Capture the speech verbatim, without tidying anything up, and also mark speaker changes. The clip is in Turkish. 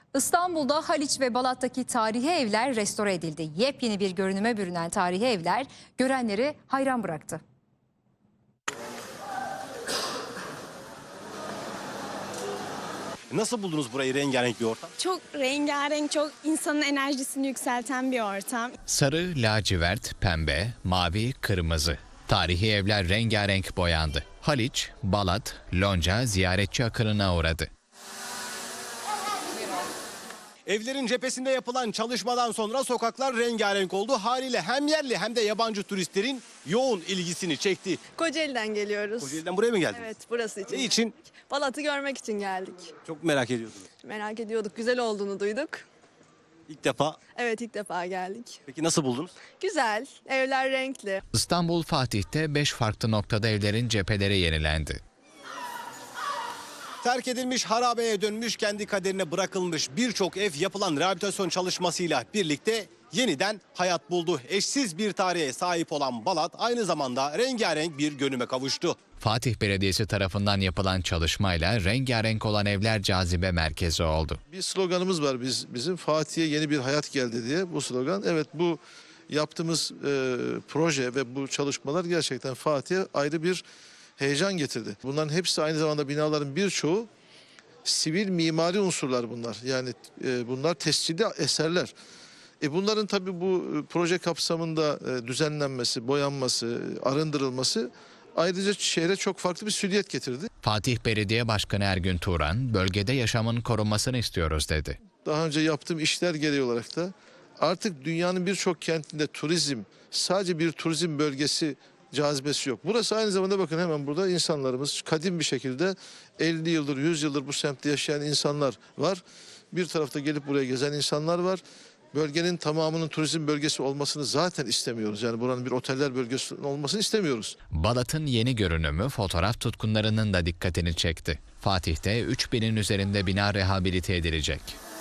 Speaker 1: İstanbul'da Haliç ve Balat'taki tarihi evler restore edildi. Yepyeni bir görünüme bürünen tarihi evler görenleri hayran bıraktı.
Speaker 2: Nasıl buldunuz burayı, rengarenk bir ortam?
Speaker 3: Çok rengarenk, çok insanın enerjisini yükselten bir ortam.
Speaker 4: Sarı, lacivert, pembe, mavi, kırmızı. Tarihi evler rengarenk boyandı. Haliç, Balat, Lonca ziyaretçi akınına uğradı.
Speaker 2: Evlerin cephesinde yapılan çalışmadan sonra sokaklar rengarenk oldu. Haliyle hem yerli hem de yabancı turistlerin yoğun ilgisini çekti.
Speaker 5: Kocaeli'den geliyoruz.
Speaker 2: Kocaeli'den buraya mı geldiniz?
Speaker 5: Evet, burası için.
Speaker 2: Ne için?
Speaker 5: geldik. Balat'ı görmek için geldik.
Speaker 2: Çok merak ediyordunuz.
Speaker 5: Merak ediyorduk, güzel olduğunu duyduk.
Speaker 2: İlk defa.
Speaker 5: Evet, ilk defa geldik.
Speaker 2: Peki nasıl buldunuz?
Speaker 5: Güzel, evler renkli.
Speaker 4: İstanbul Fatih'te beş farklı noktada evlerin cepheleri yenilendi.
Speaker 2: Terk edilmiş, harabeye dönmüş, kendi kaderine bırakılmış birçok ev yapılan rehabilitasyon çalışmasıyla birlikte yeniden hayat buldu. Eşsiz bir tarihe sahip olan Balat aynı zamanda rengarenk bir görünüme kavuştu.
Speaker 4: Fatih Belediyesi tarafından yapılan çalışmayla rengarenk olan evler cazibe merkezi oldu.
Speaker 6: Bir sloganımız var biz bizim Fatih'e yeni bir hayat geldi diye bu slogan. Evet, bu yaptığımız e, proje ve bu çalışmalar gerçekten Fatih'e ayrı bir heyecan getirdi. Bunların hepsi aynı zamanda binaların birçoğu sivil mimari unsurlar bunlar. Yani e, bunlar tescilli eserler. E bunların tabii bu proje kapsamında e, düzenlenmesi, boyanması, arındırılması ayrıca şehre çok farklı bir süliyet getirdi.
Speaker 4: Fatih Belediye Başkanı Ergün Turan, bölgede yaşamın korunmasını istiyoruz dedi.
Speaker 6: Daha önce yaptığım işler gereği olarak da artık dünyanın birçok kentinde turizm, sadece bir turizm bölgesi cazibesi yok. Burası aynı zamanda bakın hemen burada insanlarımız kadim bir şekilde elli yıldır, yüz yıldır bu semtte yaşayan insanlar var. Bir tarafta gelip buraya gezen insanlar var. Bölgenin tamamının turizm bölgesi olmasını zaten istemiyoruz. Yani buranın bir oteller bölgesi olmasını istemiyoruz.
Speaker 4: Balat'ın yeni görünümü fotoğraf tutkunlarının da dikkatini çekti. Fatih'te üç binin üzerinde bina rehabilite edilecek.